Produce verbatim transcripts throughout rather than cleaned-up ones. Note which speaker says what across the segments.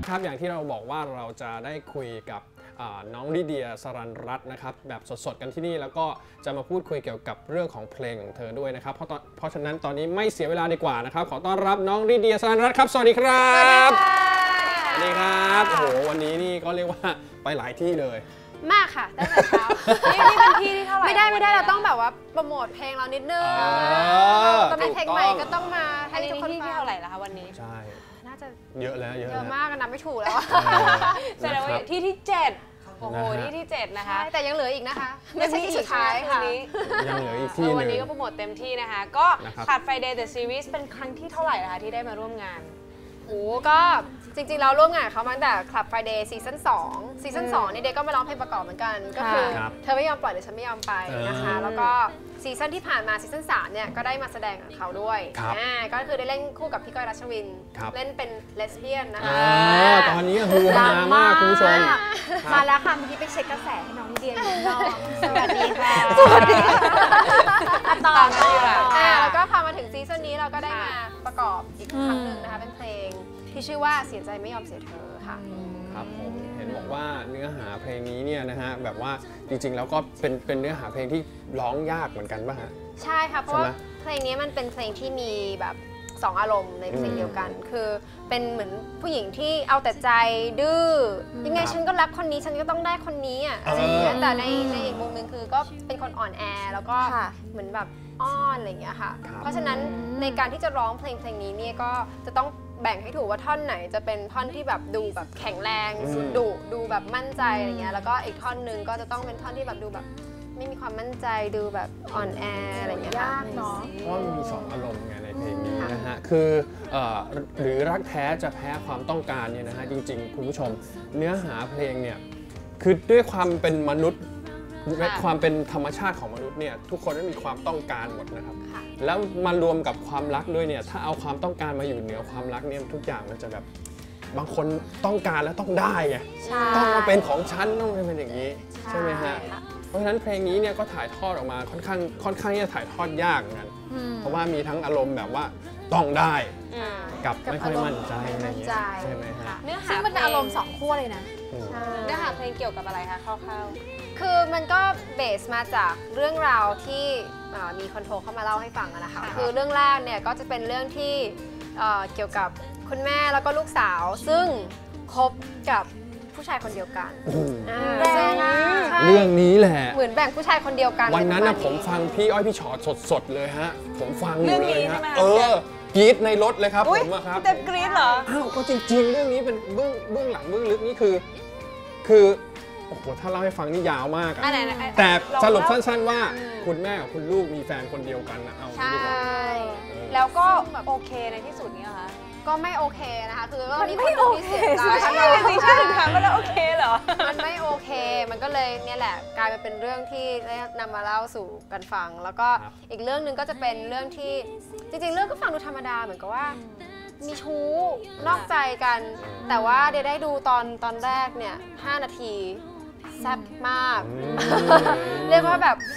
Speaker 1: ครับอย่างที่เราบอกว่าเราจะได้คุยกับน้องลิเดียสรัญรัตน์นะครับแบบสดๆกันที่นี่แล้วก็จะมาพูดคุยเกี่ยวกับเรื่องของเพลงของเธอด้วยนะครับเพราะเพราะฉะนั้นตอนนี้ไม่เสียเวลาดีกว่านะครับขอต้อนรับน้องลิเดียสรัญรัตน์ครับสวัสดีครับสวัสดีครับโอ้โหวันนี้นี่ก็เรียกว่าไปหลายที่เลย
Speaker 2: มากค่ะตั้งแต่เช้านี่นี่เป็นที่ที่เท่าไหร่ไม่ได้ไม่ได้เราต้องแบบว่าโปรโมทเพลงเรานิดนึงตอนนี้เพลงใหม่ก็ต้องมาให้ทุกคนที่เท่าไหร่ละคะวันนี้
Speaker 1: ใช่
Speaker 2: น่าจะ
Speaker 1: เยอะแล้วเยอะ
Speaker 2: เยอะมากนับไม่ถูกแล้ว
Speaker 3: แสดงว่าที่ที่เจ็ดโอ้โหที่ที่เจ็ดนะคะ
Speaker 2: แต่ยังเหลืออีกนะคะไม่ใช่ที่สุดท้ายค่ะ
Speaker 1: ยังเหลืออีกที่นึง
Speaker 3: วันนี้ก็โปรโมทเต็มที่นะคะก็Club Friday The Series เป็นครั้งที่เท่าไหร่นะคะที่ได้มาร่วมงาน
Speaker 2: โอ้ก็จริงๆเราร่วมงานเขามาตั้งแต่ Club Friday ซีซั่นสองซีซั่นสองนี่เด็กก็มาร้องเพลงประกอบเหมือนกันก็คือเธอไม่ยอมปล่อยหรือฉันไม่ยอมไปนะคะแล้วก็ซีซั่นที่ผ่านมาซีซั่นสามเนี่ยก็ได้มาแสดงกับเขาด้วยอ่าก็คือได้เล่นคู่กับพี่ก้อยรัชวินเล่นเป็นเลสเบี้ยนนะคะ
Speaker 1: ตอนนี้ฮือฮามากคุณผู้ชม
Speaker 2: มาแล้วค่ะเมื่อกี้ไปเช็คกระแสให้น้องลิเดียอยู่นอกสวัสดีค่ะ
Speaker 3: สวัสดี
Speaker 2: ต่อต่ออ่าแล้วก็พอมาถึงซีซั่นนี้เราก็ได้มาประกอบอีกครั้งหนึ่งนะคะเป็นเพลงที่ชื่อว่าเสียใจไม่ยอมเสียเธอค่ะ
Speaker 1: ครับผมเห็นบอกว่าเนื้อหาเพลงนี้เนี่ยนะฮะแบบว่าจริงๆแล้วก็เป็นเป็นเนื้อหาเพลงที่ร้องยากเหมือนกันป่ะฮะ
Speaker 2: ใช่ค่ะเพราะว่าเพลงนี้มันเป็นเพลงที่มีแบบสองอารมณ์ในเพลงเดียวกันคือเป็นเหมือนผู้หญิงที่เอาแต่ใจดื้อยังไงฉันก็รักคนนี้ฉันก็ต้องได้คนนี้อ่ะอะไรอย่างเงี้ยแต่ในในอีกมุมนึงคือก็เป็นคนอ่อนแอแล้วก็เหมือนแบบอ้อนอะไรอย่างเงี้ยค่ะเพราะฉะนั้นในการที่จะร้องเพลงเพลงนี้เนี่ยก็จะต้องแบ่งให้ถูกว่าท่อนไหนจะเป็นท่อนที่แบบดูแบบแข็งแรงดุดูแบบมั่นใจอะไรเงี้ยแล้วก็อีกท่อนนึงก็จะต้องเป็นท่อนที่แบบดูแบบไม่มีความมั่นใจดูแบบอ่อนแออะไรเงี้ย
Speaker 3: ยากเนาะ
Speaker 1: เพราะมันมีสองอารมณ์ไงในเพลงนี้นะฮะคือหรือรักแท้จะแพ้ความต้องการเนี่ยนะฮะจริงๆคุณผู้ชมเนื้อหาเพลงเนี่ยคือด้วยความเป็นมนุษย์ความเป็นธรรมชาติของมนุษย์เนี่ยทุกคนมีความต้องการหมดนะครับแล้วมารวมกับความรักด้วยเนี่ยถ้าเอาความต้องการมาอยู่เหนือความรักเนี่ยทุกอย่างมันจะแบบบางคนต้องการแล้วต้องได้ไงต้องมาเป็นของฉันต้องเป็นอย่างนี้ใช่ไหมฮะเพราะฉะนั้นเพลงนี้เนี่ยก็ถ่ายทอดออกมาค่อนข้างค่อนข้างที่จะถ่ายทอดยากเหมือนกันเพราะว่ามีทั้งอารมณ์แบบว่าต้องได้กับไม่ค่อยมั่นใจอะไรอย่างเงี้ยใช่ไหมฮะ
Speaker 2: เนื้อหาซึ่งมันเป็นอารมณ์สองขั้วเลยนะ
Speaker 3: เนื้อหาเพลงเกี่ยวกับอะไรคะคร่าว
Speaker 2: ๆคือมันก็เบสมาจากเรื่องราวที่มีคนโทรเข้ามาเล่าให้ฟังนะคะคือเรื่องแรกเนี่ยก็จะเป็นเรื่องที่เกี่ยวกับคุณแม่แล้วก็ลูกสาวซึ่งคบกับผู้ชายคนเดียวกัน
Speaker 1: เรื่องนี้แหละ
Speaker 2: เหมือนแบ่งผู้ชายคนเดียวกัน
Speaker 1: วันนั้นนะผมฟังพี่อ้อยพี่ชอตสดๆเลยฮะผมฟังอยู่เลยฮะเออกรี๊ดในรถเลยครับผมอะครับ
Speaker 3: แต่กรี๊ดเหรอ
Speaker 1: อ้าวก็จริงๆเรื่องนี้เป็นเบื้องเบื้องหลังเบื้องลึกนี่คือคือโอ้โหถ้าเล่าให้ฟังนี่ยาวมากอะแต่สรุปสั้นๆว่าคุณแม่กับคุณลูกมีแฟนคนเดียวกันนะเอาดีกว่า
Speaker 3: แล้วก็โอเคในที่สุดนี้เหรอคะ
Speaker 2: ก็ไม่โอเคนะคะคือก็
Speaker 3: ไม่โอเคใช่ใช่จริงใช่ถึงถามว่าแล้วโอเคเหรอ
Speaker 2: มันไม่โอเคมันก็เลยเนี่ยแหละกลายเป็นเรื่องที่ได้นำมาเล่าสู่กันฟังแล้วก็อีกเรื่องหนึ่งก็จะเป็นเรื่องที่จริงๆเรื่องก็ฟังดูธรรมดาเหมือนกับว่ามีชู้นอกใจกันแต่ว่าเดี๋ยวได้ดูตอนตอนแรกเนี่ยห้านาทีแซ่บมากเรียกว่าแบบ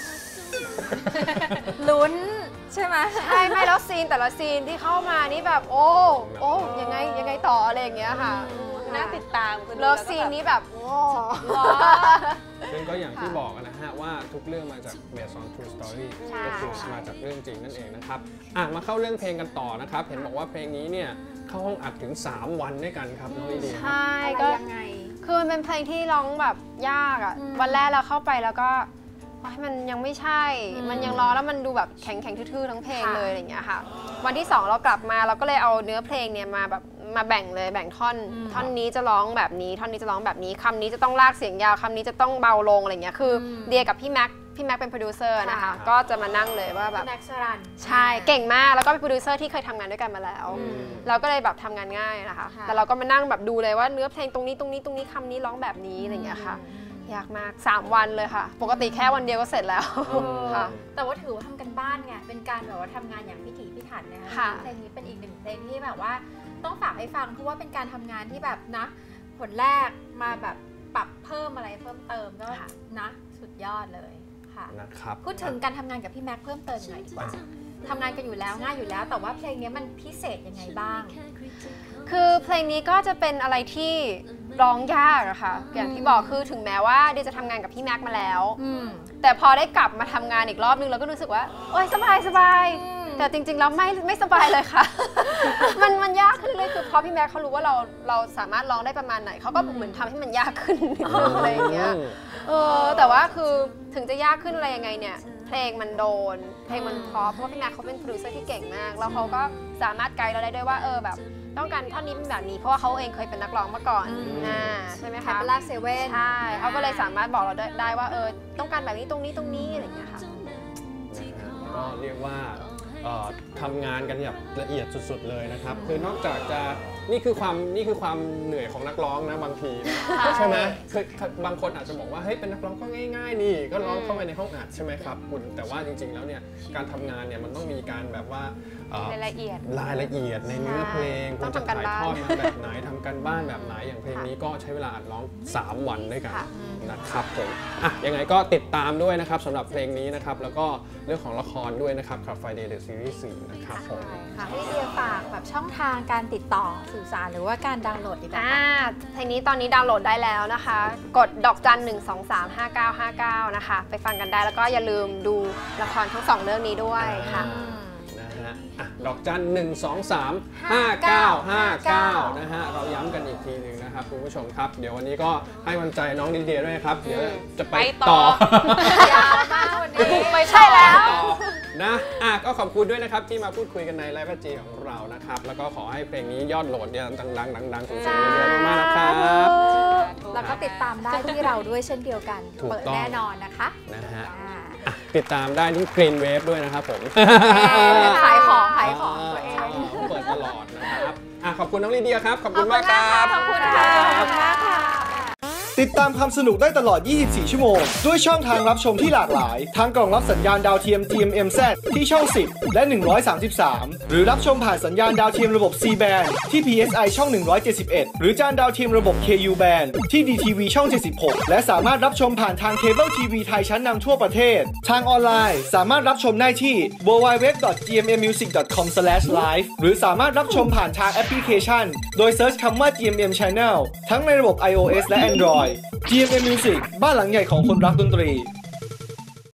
Speaker 2: ลุ้นใช่ไหมใช่ไม่แล้วซีนแต่ละซีนที่เข้ามานี่แบบโอ้โอ้ยังไงยังไงต่ออะไรอย่างเงี้ยค่ะ
Speaker 3: น่าติดตาม
Speaker 2: เลิฟซีนนี้แบบโอ้
Speaker 1: ซึ่งก็อย่างที่บอกนะฮะว่าทุกเรื่องมาจาก based on true story ก็คือมาจากเรื่องจริงนั่นเองนะครับอ่ะมาเข้าเรื่องเพลงกันต่อนะครับเห็นบอกว่าเพลงนี้เนี่ยเข้าห้องอัดถึงสามวันด้วยกันครับน้องลิเดีย
Speaker 2: ใช่ก็ยังไงคือมันเป็นเพลงที่ร้องแบบยากอ่ะวันแรกเราเข้าไปแล้วก็มันยังไม่ใช่มันยังร้องแล้วมันดูแบบแข็งแข็งทื่อๆทั้งเพลงเลยอะไรอย่างเงี้ยค่ะวันที่สองเรากลับมาเราก็เลยเอาเนื้อเพลงเนี่ยมาแบบมาแบ่งเลยแบ่งท่อนท่อนนี้จะร้องแบบนี้ท่อนนี้จะร้องแบบนี้คำนี้จะต้องลากเสียงยาวคำนี้จะต้องเบาลงอะไรเงี้ยคือเดียกับพี่แม็กพี่แม็กเป็นโปรดิวเซอร์นะคะก็จะมานั่งเลยว่าแบบ
Speaker 3: แม็กซ์รัน
Speaker 2: ใช่เก่งมากแล้วก็เป็นโปรดิวเซอร์ที่เคยทำงานด้วยกันมาแล้วเราก็เลยแบบทำงานง่ายนะคะแต่เราก็มานั่งแบบดูเลยว่าเนื้อเพลงตรงนี้ตรงนี้ตรงนี้คำนี้ร้องแบบนี้อะไรเงี้ยค่ะยากมากสามวันเลยค่ะปกติแค่วันเดียวก็เสร็จแล้วค่ะ
Speaker 4: แต่ว่าถือว่าทำกันบ้านไงเป็นการแบบว่าทำงานอย่างพิถีพิถันนะคะเพลงนี้เป็นอีกหนึ่งเพลงที่แบบว่าต้องฝากให้ฟังเพราะว่าเป็นการทำงานที่แบบนะผลแรกมาแบบปรับเพิ่มอะไรเพิ่มเติมก็นะสุดยอดเลยค่ะ
Speaker 1: นะครับ
Speaker 4: พูดถึงการทำงานกับพี่แม็กเพิ่มเติมหน่อยดีกว่าทำงานกันอยู่แล้วง่ายอยู่แล้ว แต่ว่าเพลงนี้มันพิเศษยังไงบ้าง
Speaker 2: คือเพลงนี้ก็จะเป็นอะไรที่ร้องยากอะค่ะอย่างที่บอกคือถึงแม้ว่าเดียจะทำงานกับพี่แม็กมาแล้วแต่พอได้กลับมาทำงานอีกรอบนึงเราก็รู้สึกว่าโอ๊ยสบายสบายแต่จริงๆแล้วไม่ไม่สบายเลยค่ะ มันมันยากขึ้นเลยคือพอพี่แม็กเขารู้ว่าเราเราสามารถร้องได้ประมาณไหนเขาก็เหมือนทำให้มันยากขึ้นนิดนึงอะไรอย่างเงี้ยเออแต่ว่าคือถึงจะยากขึ้นอะไรยังไงเนี่ยเพลงมันโดนเพลงมันเพราะเพราะว่าพี่แม็กเขาเป็นโปรดิวเซอร์ที่เก่งมากแล้วเขาก็สามารถไกด์เราได้ด้วยว่าเออแบบต้องการท่อนนี้เป็นแบบนี้เพราะว่าเขาเองเคยเป็นนักร้องมาก่อนนะใช่ไหม
Speaker 4: แค
Speaker 2: คะ
Speaker 4: ปลาเซเว่น
Speaker 2: ใช่เขาก็เลยสามารถบอกเราได้ได้ว่าเออต้องการแบบนี้ตรงนี้ตรงนี้อะไรอย่างเงี้ยค่ะ
Speaker 1: ก็เรียกว่าทำงานกันแบบละเอียดสุดๆเลยนะครับคือนอกจากจะนี่คือความนี่คือความเหนื่อยของนักร้องนะบางทีใช่ไหมคือบางคนอาจจะบอกว่าเฮ้ยเป็นนักร้องก็ง่ายๆนี่ก็ร้องเข้าไปในห้องอัดใช่ไหมครับคุณแต่ว่าจริงๆแล้วเนี่ยการทำงานเนี่ยมันต้องมีการแบบว่าร
Speaker 3: ายละเอียด
Speaker 1: รายละเอียดในเนื้อเพลงคุณจะถ่ายทอดมาแบบไหนทำกันบ้านแบบไหนอย่างเพลงนี้ก็ใช้เวลาอัดร้องสามวันด้วยกันนะครับผมอ่ะยังไงก็ติดตามด้วยนะครับสำหรับเพลงนี้นะครับแล้วก็เรื่องของละครด้วยนะครับ Club Friday The Series สี่นะครับผม
Speaker 4: ค่ะให้เดียฝากแบบช่องทางการติดต่อสื่อสารหรือว่าการดาวน์โหลดดีกว่า
Speaker 2: เพลงนี้ตอนนี้ดาวน์โหลดได้แล้วนะคะกดดอกจันหนึ่งสองสามห้าเก้าห้าเก้านะคะไปฟังกันได้แล้วก็อย่าลืมดูละครทั้งสองเรื่องนี้ด้วยค่ะ
Speaker 1: นะฮะดอกจันหนึ่งสองสามห้าเก้าห้าเก้านะฮะเราย้ำกันอีกทีหนึ่งนะครับคุณผู้ชมครับเดี๋ยววันนี้ก็ให้กำลังใจน้องลิเดียด้วยครับเดี๋ยวจะไปต่อย
Speaker 4: าวมากวันนี้
Speaker 2: ไปใช่แล้ว
Speaker 1: นะอ่ะก็ขอบคุณด้วยนะครับที่มาพูดคุยกันในไลฟ์จีของเรานะครับแล้วก็ขอให้เพลงนี้ยอดโหลดเนี่ยดังๆดังๆสูงๆเยอะๆมากๆนะครับ
Speaker 4: แล้วก็ติดตามได้ที่เราด้วยเช่นเดียวกันเปิดแน่นอนนะคะ
Speaker 1: นะฮะติดตามได้ที่ Green Wave ด้วยนะครับผม
Speaker 4: ขายของขายของตัวเอง
Speaker 1: เปิดตลอดนะครับขอบคุณน้องลิเดียครับขอบคุณมากครับ
Speaker 4: ขอบคุณค่ะขอบคุณมากค่ะ
Speaker 5: ติดตามความสนุกได้ตลอด ยี่สิบสี่ ชั่วโมงด้วยช่องทางรับชมที่หลากหลายทั้งกล่องรับสัญญาณดาวเทียม จี เอ็ม เอ็ม แซด ที่ช่อง สิบ และ หนึ่งร้อยสามสิบสาม หรือรับชมผ่านสัญญาณดาวเทียมระบบ ซี แบนด์ ที่ พี เอส ไอ ช่อง หนึ่งร้อยเจ็ดสิบเอ็ด หรือจานดาวเทียมระบบ เค ยู แบนด์ ที่ ดี ที วี ช่อง เจ็ดสิบหก และสามารถรับชมผ่านทางเคเบิลทีวีไทยชั้นนำทั่วประเทศทางออนไลน์สามารถรับชมได้ที่ ดับเบิลยู ดับเบิลยู ดับเบิลยู ดอท จี เอ็ม เอ็ม มิวสิก ดอท คอม สแลช ไลฟ์ หรือสามารถรับชมผ่านทางแอปพลิเคชันโดยเซิร์ชคำว่า จี เอ็ม เอ็ม Channel ทั้งในระบบ ไอ โอ เอส และ Android จี เอ็ม เอ็ม Music บ้านหลังใหญ่ของคนรักดนตรี